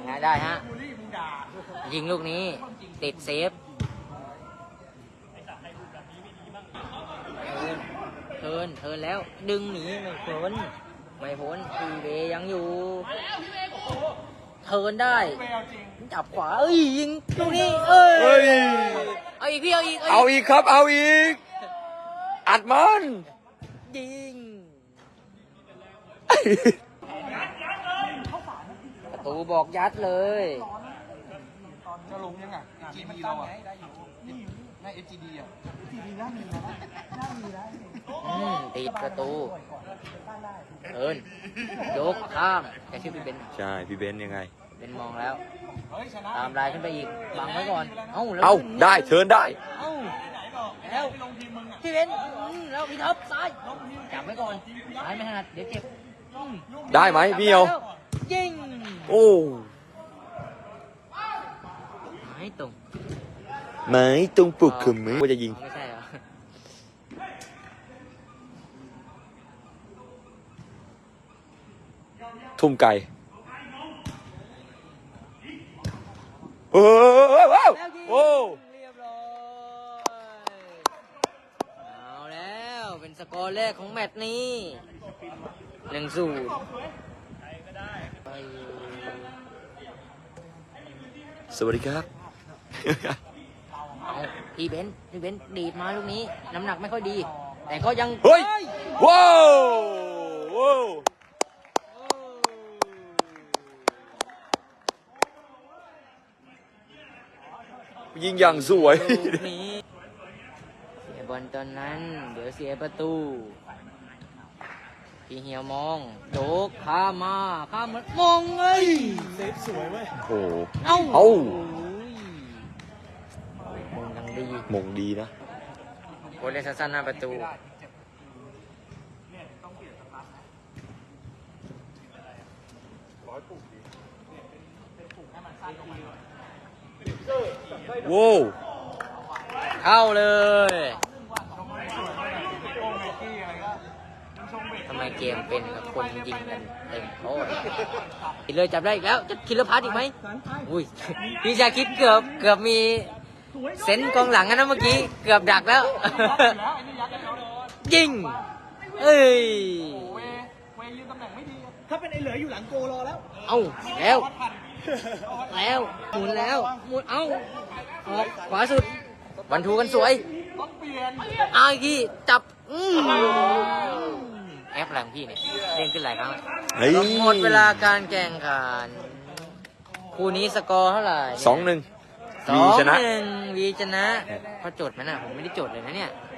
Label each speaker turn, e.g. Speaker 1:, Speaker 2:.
Speaker 1: ไงได้ฮะยิงลูกนี้ติดเซฟเทินแล้วดึงหนีไม่พ้นทีเบยังอยู่เทินได้จับขวายิงลูกนี้เอาอีกพี่เอาอีก
Speaker 2: ครับเอาอีกอัดมัน
Speaker 1: ยิงประตูบอกยัดเลย
Speaker 3: จะลงยังไง GD เราอ่ะใน FGD อ่ะ FGD น่ามีนะ
Speaker 1: ติดประตูยกข้ามแกชื่อพี่เบน
Speaker 2: ใช่พี่เบนยังไง
Speaker 1: เป็นมองแล้วตามลายขึ้นไปอีกบังไว้ก่อน
Speaker 2: ได้เชิญได้
Speaker 1: แล้วพี่เบนแล้วพี่ท็อปซ้ายจับไว้ก่อนซ้ายไม่ถนัดเดี๋ยวเจ็บ
Speaker 2: ได้ไหมพี่เอว
Speaker 1: ยิง
Speaker 2: ไม่ตรงปลุกคือมือว่าจะยิง
Speaker 1: ไม่ใช่เหรอ
Speaker 2: ทุ่มไก่โอ้เรียบร้อย
Speaker 1: เอาแล้วเป็นสกอร์แรกของแมตช์นี้1-0
Speaker 2: สวัสดีครับ
Speaker 1: พี่เบนดีดมาลูกนี้น้ำหนักไม่ค่อยดีแต่ก็ยัง
Speaker 2: ว้าวยิงอย่างสวย
Speaker 1: เสียบอลตอนนั้นเดี๋ยวเสียประตูพี่เหี่ยวมองโจกข้ามเหมือนมอง
Speaker 3: เซฟสวยเว้ย
Speaker 2: โอ้มงดีนะ
Speaker 1: โคเล่นสั้นๆหน้าประตู
Speaker 2: ว้าว
Speaker 1: เข้าเลยทำไมเกมเป็นกับคนยิงกันเต็มโต๊ะคิดเลยจับได้อีกแล้วจะคิดเลยพาร์ทอีกไหมอุ้ยพี่ชาคิดเกือบมีเซนกองหลังนะเมื่อกี้เกือบดักแล้วยิง
Speaker 3: ถ้าเป็นไอเหลืออยู่หลังโกรอแล้ว
Speaker 1: แล้วหมุนขวาสุดวันทูกันสวยเอาอีกทีจับแอปแรงพี่เนี่ยเล่นขึ้นหลายครั้งหมดเวลาการแข่งขันคู่นี้สกอร์เท่าไหร่
Speaker 2: 2-1 วีชนะ
Speaker 1: เขาจดไหมน่ะผมไม่ได้จดเลยนะเนี่ย